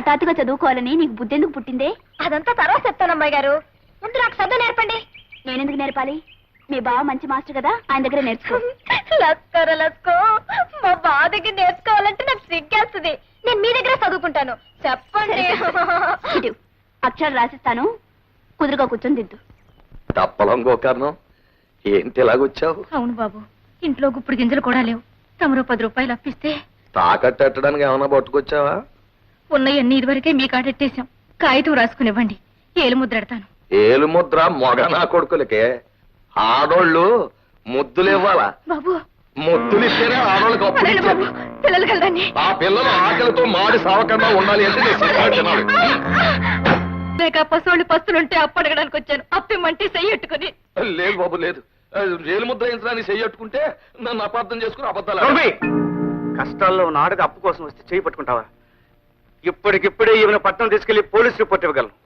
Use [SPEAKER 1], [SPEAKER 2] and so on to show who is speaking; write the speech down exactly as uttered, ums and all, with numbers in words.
[SPEAKER 1] హఠాత్తుగా చదువుకోవాలని నీకు బుద్ధెందుకు పుట్టిందే?
[SPEAKER 2] అదంతా తర్వాత చెప్తాను అమ్మాయి గారు, ముందు నాకు చదువు నేర్పండి.
[SPEAKER 1] నేనెందుకు నేర్పాలి? మీ బావ మంచి మాస్టర్ కదా, ఆయన దగ్గర నేర్చుకో.
[SPEAKER 2] లస్కోర లస్కో, మా బావ దగ్గర నేర్చుకోవాలంటే నాకు సిగ్గేస్తుంది. నేను మీ దగ్గర చదువుకుంటాను, చెప్పండి.
[SPEAKER 1] ఇటు అక్షరాలు రాసిస్తాను, కుదురుగా కూర్చొని దిద్దు.
[SPEAKER 3] తప్పలం గోకర్ణం, ఏంటి ఇలాగొచ్చావు?
[SPEAKER 2] అవును బాబు, ఇంట్లో గుప్పుడు గింజలు కూడా లేవు. తమరో పది రూపాయలు అప్పిస్తే
[SPEAKER 3] తాకట్టడానికి ఏమన్నా పట్టుకొచ్చావా?
[SPEAKER 2] ఉన్నయన్నీ ఇదివరకే మీ కాడెట్టేశాం. కాగితం రాసుకునివ్వండి, ఏలు ముద్రెడతాను.
[SPEAKER 3] ఏలు ముద్ర మొగ నా కొడుకులకే, ఆడోళ్ళు ముద్దులు ఇవ్వాలా?
[SPEAKER 2] బాబు
[SPEAKER 3] ముద్దులు ఇస్తేనే ఆడోళ్ళకి అప్పు
[SPEAKER 2] అదేంటి బాబు,
[SPEAKER 3] ఇచ్చేది.
[SPEAKER 2] పిల్లలు కలదండి.
[SPEAKER 3] ఆ పిల్లలు ఆకలితో మాడి సావకుండా ఉండాలి అంటే నేను సిగ్గు తినాలి.
[SPEAKER 2] లేక పసోళ్ళు పస్తులుంటే అప్పు అడగడానికి వచ్చాను. అప్పిమ్మంటే చెయ్యట్టుకుని.
[SPEAKER 3] లేదు బాబు లేదు, ఏలు ముద్ర వేయించడానికి చెయ్యట్టుకుంటే నన్ను అపార్థం చేసుకుని అబద్ధాలు.
[SPEAKER 4] రవి, కష్టాల్లో ఉన్న ఆడది అప్పు కోసం వస్తే చేయి పట్టుకుంటావా? ఇప్పటికిప్పుడే ఈమెను పట్టణం తీసుకెళ్లి పోలీస్ రిపోర్ట్ ఇవ్వగలను.